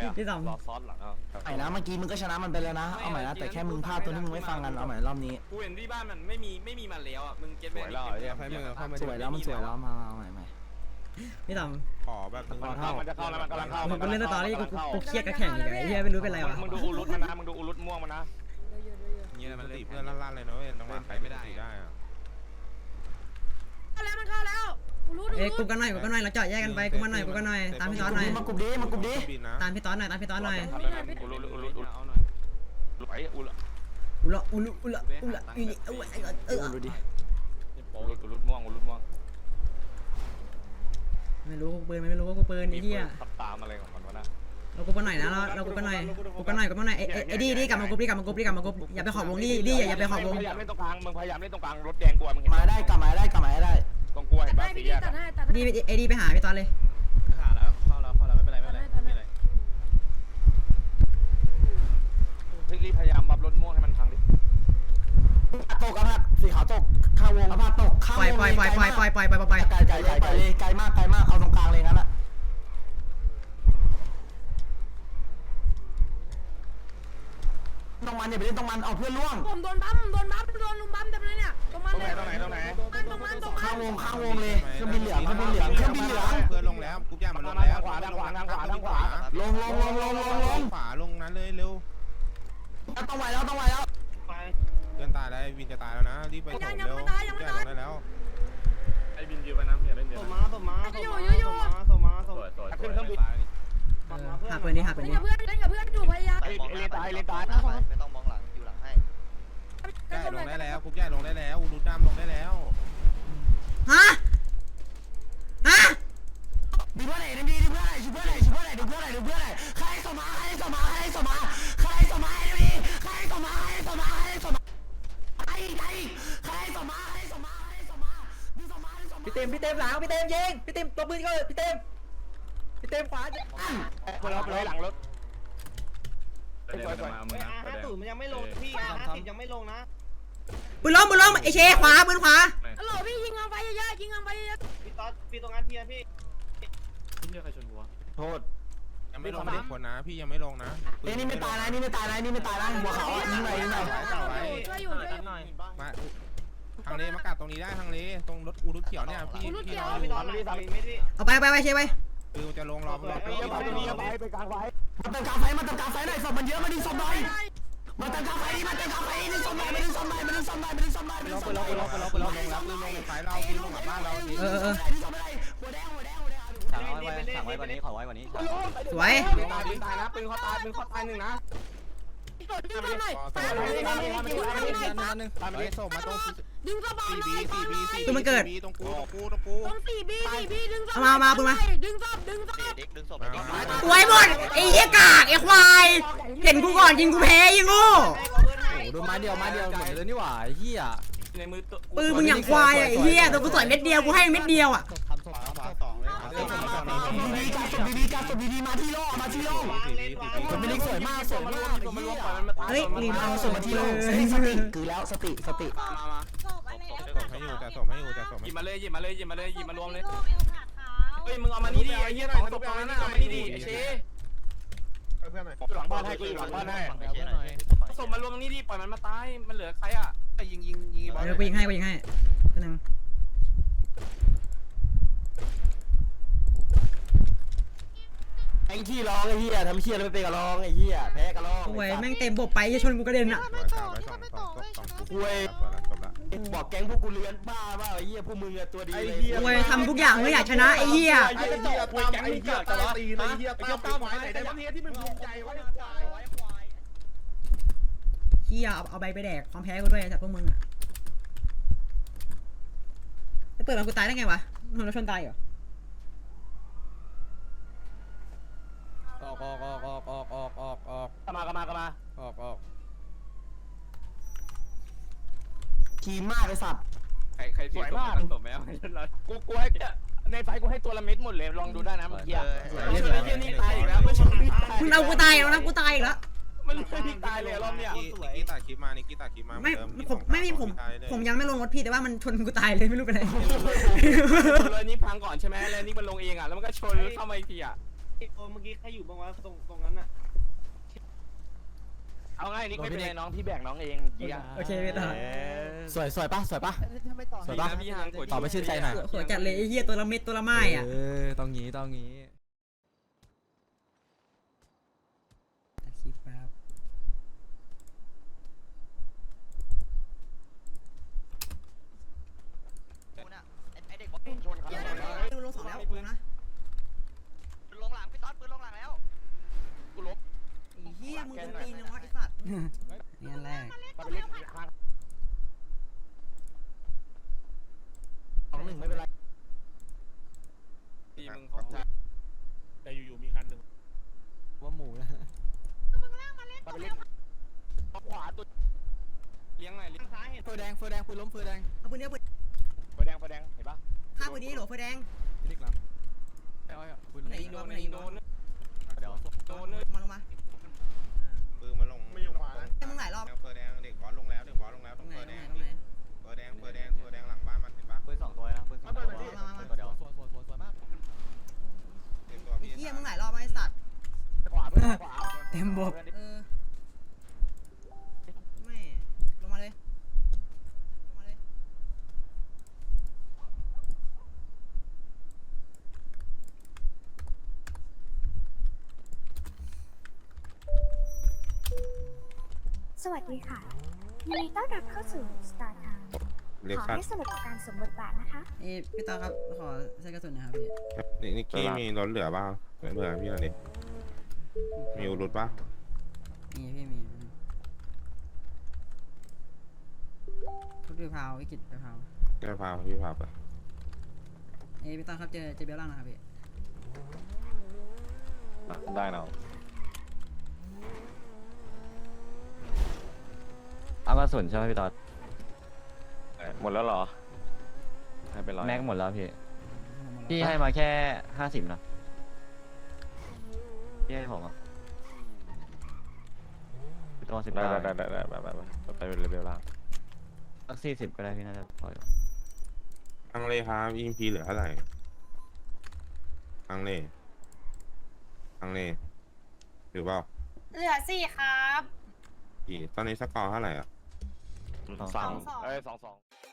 พี่ต่ำรอซ้อนหลังเขาใหม่นะเมื่อกี้มึงก็ชนะมันไปแล้วนะเอาใหม่นะแต่แค่มึงพลาดตัวที่มึงไม่ฟังกันเอาใหม่รอบนี้กูเห็นที่บ้านมันไม่มีมันแล้วอ่ะมึงเก็ตสวยแล้วเนี่ยไฟมือเข้ามาสวยแล้วมันสวยแล้วมาใหม่พี่ต่ขอแบบนึงมันจะเข้าแล้วมันกำลังเข้าำผมก็เล่นสตอรี่กูเครียดกับแข่งอีกไอ้เหี้ยไม่รู้เป็นไรวะมึงดูอุลุตมันนะมึงดูอุลุตม่วงมันนะเงี้ยมันตีเพื่อนลั่นๆเลยนะเว้ยต้องมาใครไม่ได้ได้อะเข้าแล้วมันเข้าแล้วกูรู้เอ้ยกูกันหน่อยเราเจาะแยกกันไปกูมาหน่อยตามพี่ต๊อดหน่อยมากรุบดีมากรุบดีบินนะตามพี่ต๊อดหน่อยอุลุตเอาหน่อยไหวอุลุอุลุดูดิอุลุตม่วงไม่รู้กูปืนไม่รู้ว่ากูปืนไอ้เหี้ยขับตามอะไรของมันวะนะเรากูกันหน่อยนะเรากูกันหน่อยไอ้ดีกลับมากรุ๊ปอย่าไปขอบวงดีอย่าไปขอบวงพยายามเล่นตรงกลางมึงพยายามเล่นตรงกลางรถแดงกลัวมึงเห็นมาได้กลับมาได้ตรงกลัวเห็นป่ะให้สีพี่แยกตัดให้ตัดดีไอ้ดีไปหาพี่ต๊อดเลยขาแล้วเข้าแล้วไม่เป็นไรไม่เป็นไรรีบพยายามบับรถม่วงให้มันพังดิตกครับสีขาวตกข้าววงอภาตกข้าววงไปไกลมากเอาตรงกลางเลยงั้นละตรงมันอย่าไปเล่นตรงมันเอาเพื่อนล่วงผมโดนบัมโดนลุมบัมเต็มเลยเนี่ยตรงมันเลยตรงไหนข้าววงเลยเครื่องบินเหลืองเพื่อนลงแล้วกูย่ามันลงแล้วขวาทางขวาลงขวาลงนั้นเลยเร็วต้องไหวแล้วเพื่อนตายแล้ววินจะตายแล้วนะรีบไปส่งเร็วย่าลงได้แล้วไอ้บินยืนไปน้ำอย่าเล่นเดี๋ยว ขึ้นเครื่องบินหาปืนนี้เล่นกับเพื่อนอยู่พยายามเลนตายไม่ต้องมองหลังอยู่หลังให้ย่าลงได้แล้วกูย่าลงได้แล้วดูดำลงได้แล้วฮะดูเพื่อนไหนดูเพื่อนไหนใครสมาพี่เต็มหลังพี่เต็มยิงพี่เต็มตัวปืนก็พี่เต็มขวาเราหลังรถมันยังไม่ลงพี่50ยังไม่ลงนะปืนล้มไอเชขวาปืนขวาฮัลโหลพี่ยิงเอาไปเยอะพี่ตรงนั้นพี่พี่ใครชนกูวะโทษยังไม่ลงเด็กคนนะพี่ยังไม่ลงนะนี่ไม่ตายนะหัวเขายิงหน่อยช่วยอยู่มาทางเลมากัดตรงนี้ได้ทางเลตรงรถกูรถเขียวเนี่ยพี่เราอยู่เอาไปเชไปคือจะลงรอไปกลางไฟมาเติมกาไฟหน่อยศพมันเยอะมาดึงศพหน่อยมาเติมกาไฟดึงศพหน่อยดึงศพหน่อยลงไฟเราพี่ลงกับบ้านเราดิหัวแดงสั่งไว้กว่านี้ขอไว้กว่านี้สวยตายนะปืนเขาตาย1นะดึงศพหน่อยไปส่งมาตรงดึงศพหน่อยตรงกูตรง4B ดึงศพดึงศพดึงศพสวยหมดไอ้เหี้ยกากไอ้ควายเห็นกูก่อนยิงกูแพ้ยิงโง่โดนไม้เดียวหมดเลยนี่หว่าเฮียในมือปืนมึงอย่างควายไอ้เหี้ยตัวกูต่อยเม็ดเดียวกูให้เม็ดเดียวอ่ะดีมาที่โล่มันเป็นเล็กสวยมากเฮ้ยลืมเอาส่งมาที่โล่สติคือแล้วสติส่งให้อยู่จะส่งหยิบมาเลยหยิบมารวมเลยเฮ้ยมึงเอามานี่ดิไอ้เหี้ยของตกตรงนั้นเอามานี่ดิไอ้เชหลังบ้านให้กูหลังบ้านให้ส่งมารวมตรงนี้ดิปล่อยมันมาตายมันเหลือใครอ่ะยิงบอลกูยิงให้ตัวนึงไอ้ขี้ร้องไอ้เหี้ยทำเหี้ยแล้วไม่เป็นกับร้องไอ้เหี้ยแพ้กับร้องโอ้ยแม่งเต็มบบไปจะชนกูกระเด็นอ่ะบอกแก๊งพวกกูเลือนบ้าว่าไอ้เหี้ยพวกมึงอะตัวดีโอ้ยทำทุกอย่างไม่อยากชนะไอ้เหี้ยไอ้เหี้ยแก๊งไอ้เหี้ยจะล้อตีนะไอ้เหี้ยตามหมายไหนได้บ้างที่มันภูมิใจวะเหี้ยเอาใบไปแดกความแพ้กูด้วยจากพวกมึงอ่ะจะเปิดมากูตายได้ไงวะมันเราชนตายเหรอออกทีมมากไอ้สัตว์ใครสวยมากสมแมวกูให้ในไฟกูให้ตัวละเม็ดหมดเลยลองดูได้นะเมื่อกี้ไอ้เหี้ยนี่ตายอีกแล้วไม่ใช่มึงเอากูตายแล้วนะกูตายอีกแล้วมันไม่ตายเลยรอบเนี้ยนิกกี้ตัดคลิปมาผมยังไม่ลงรถพี่แต่ว่ามันชนกูตายเลยไม่รู้เป็นไรเลยนี่พังก่อนใช่ไหมแล้วนี่มันลงเองอ่ะแล้วมันก็ชนเข้ามาอีกทีอ่ะเมื่อกี้ใครอยู่บ้างวะตรงนั้นน่ะเอาง่ายนิกไม่เป็นไรน้องพี่แบกน้องเองเยี่ยโอเคพี่ต่อสวยปะสวยปะสวยป่ะพี่ฮังกดตอบไม่ชื่นใจหน่อยหัวจัดเลยไอ้เหี้ยตัวละเม็ดตัวละไม้อ่ะต้องงี้ตัดคลิปแป๊บไอเด็กบอกชนเขาลงสองแล้วปืนนะปืนลงหลังพี่ต๊อดปืนลงหลังแล้วกูลบไอ้เหี้ยมึงเป็นตีนนะวะไอ้สัตว์นี่แรกไปเล่นข้าง2-1ไม่เป็นไรทีมึงของแต่อยู่ๆมีคันหนึ่งว่าหมูนะไปเล่นขวาตัวเลี้ยงหน่อยเลี้ยงซ้ายเห็นเฟอร์แดงปืนล้มเฟอร์แดงเอาปืนเนี้ยปืนไฟแดงเห็นปะฆ่าปืนนี้โหลไฟแดงพี่เล็กหลังปืนไหนยิงโดนไหนยิงโดนเดี๋ยวโดนเลยมาลงมาปืนมาลงไม่อยู่ขวานะให้มึงหลายรอบเฟอร์แดงเด็กบอลลงแล้วตรงตรงไหนเฟอร์แดงตรงไหนเฟอร์แดงหลังบ้านมันเห็นปะปืน2ตัวนะปืน2ตัวปืนตัวเดียวสวยมากเต็มตัวไอ้พี่เหี้ยมึงหลายรอบไอ้สัตว์ขวาเพื่อนขวาเต็มบบไม่ลงมาเลยลงมาเลยสวัสดีค่ะยินดีต้อนรับเข้าสู่ Star Town เล็กขอซัดให้สนุกกับการสวมบทบาทนะคะพี่ตาครับขอใช้กระสุนนะครับพี่นิกกี้มีรถเหลือเปล่าเหลือพี่หน่อยดิมีอุรุตปะมีพี่มีทุกทีพาววิกฤตไปพาวแกพาพี่พาไปพี่ตาครับเจอเบลล่างนะครับพี่ได้เนาะเอากระสุนใช่ไหมพี่ต๊อดหมดแล้วเหรอให้เป็นร้อยแม็กหมดแล้วพี่ พี่ให้มาแค่50นะพี่ให้ผมอ่ะพี่ต้อง10 ได้ได้ไปเลเวลล่างสัก40ก็ได้พี่น่าจะพออยู่อังเลครับอิมพีเหลือเท่าไหร่อังเลถือเปล่าเหลือ4ครับตอนนี้สกอร์เท่าไหร่อ่ะ 3 2